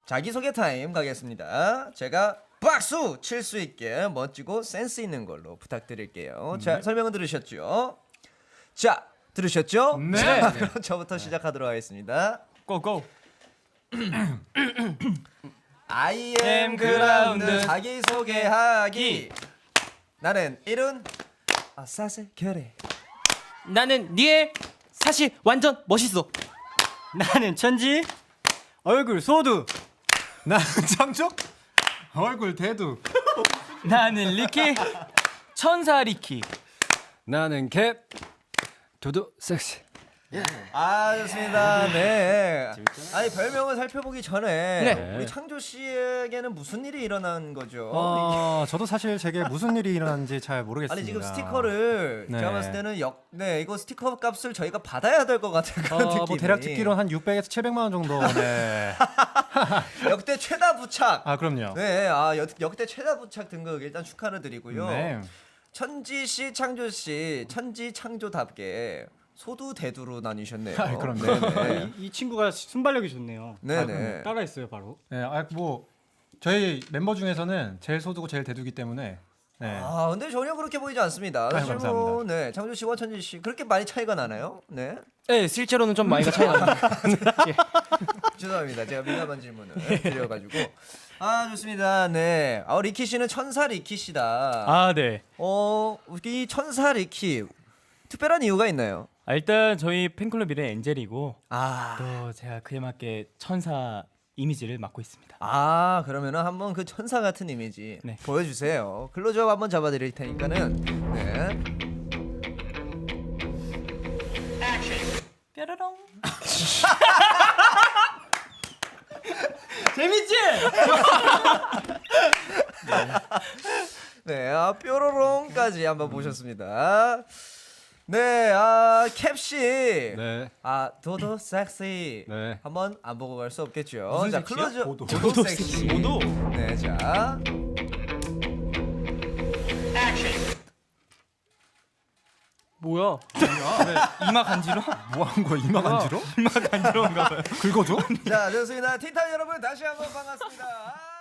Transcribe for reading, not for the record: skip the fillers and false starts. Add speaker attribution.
Speaker 1: 자기소개 타임 가겠습니다. 제가 박수 칠 수 있게 멋지고 센스 있는 걸로 부탁드릴게요. 자, 설명은 들으셨죠? 자, 들으셨죠?
Speaker 2: 네.
Speaker 1: 자, 그럼 저부터 시작하도록 하겠습니다.
Speaker 2: 고고.
Speaker 1: I am 그라운드 자기소개하기. 나는 이룬 사슬 결에.
Speaker 3: 나는 니엘 사실 완전 멋있어.
Speaker 2: 나는 천지 얼굴 소두. 나는 창조 얼굴 대두.
Speaker 3: 나는 리키 천사 리키.
Speaker 4: 나는 캡 도도 섹시.
Speaker 1: 아, 좋습니다. 네. 아니, 별명을 살펴보기 전에
Speaker 3: 네.
Speaker 1: 우리 창조 씨에게는 무슨 일이 일어난 거죠?
Speaker 5: 저도 사실 제게 무슨 일이 일어났는지 잘 모르겠습니다.
Speaker 1: 아니, 지금 스티커를
Speaker 5: 네.
Speaker 1: 제가 봤을 때는 이거 스티커 값을 저희가 받아야 될 것 같은 그런 느낌이.
Speaker 5: 뭐 대략 듣기로는 한 600에서 700만 원 정도. 네.
Speaker 1: 역대 최다 부착.
Speaker 5: 아, 그럼요.
Speaker 1: 네, 역대 최다 부착 등극 일단 축하를 드리고요.
Speaker 5: 네.
Speaker 1: 천지 씨, 창조 씨, 천지 창조답게 소두 대두로 나뉘셨네요.
Speaker 5: 아, 그럼요.
Speaker 1: 네네.
Speaker 2: 이 친구가 순발력이 좋네요.
Speaker 1: 네네.
Speaker 2: 따라했어요 바로.
Speaker 5: 네, 뭐 저희 멤버 중에서는 제일 소두고 제일 대두기 때문에. 네.
Speaker 1: 아, 근데 전혀 그렇게 보이지 않습니다.
Speaker 5: 아유,
Speaker 1: 사실 뭐,
Speaker 5: 감사합니다.
Speaker 1: 네, 창조 씨와 천지 씨 그렇게 많이 차이가 나나요? 네.
Speaker 3: 네, 실제로는 좀 많이가 차이 납니다.
Speaker 1: 죄송합니다. 제가 민감한 질문을 드려가지고. 아, 좋습니다. 네. 리키 씨는 천사 리키 씨다.
Speaker 3: 아, 네.
Speaker 1: 이 천사 리키 특별한 이유가 있나요?
Speaker 3: 일단 저희 팬클럽 이름 엔젤이고
Speaker 1: 아,
Speaker 3: 또 제가 그에 맞게 천사 이미지를 맡고 있습니다.
Speaker 1: 그러면은 한번 그 천사 같은 이미지
Speaker 3: 네.
Speaker 1: 보여주세요. 클로즈업 한번 잡아드릴 테니까는. 네.
Speaker 3: 뾰로롱. 재밌지?
Speaker 1: 네, 뾰로롱까지 한번 보셨습니다. 네, 캡씨.
Speaker 4: 네.
Speaker 1: 도도 섹시.
Speaker 4: 네.
Speaker 1: 한번 안 보고 갈 수 없겠죠.
Speaker 5: 무슨
Speaker 1: 자,
Speaker 5: 섹시야?
Speaker 1: 클로즈.
Speaker 5: 도도.
Speaker 1: 도도 섹시.
Speaker 3: 도도.
Speaker 1: 네, 자.
Speaker 3: 뭐야? 이마 간지러?
Speaker 5: 뭐 한 거야? 이마 간지러?
Speaker 3: 이마 간지러운가 봐요.
Speaker 5: 긁어줘?
Speaker 1: 자, 좋습니다. 티탄 여러분 다시 한번 반갑습니다.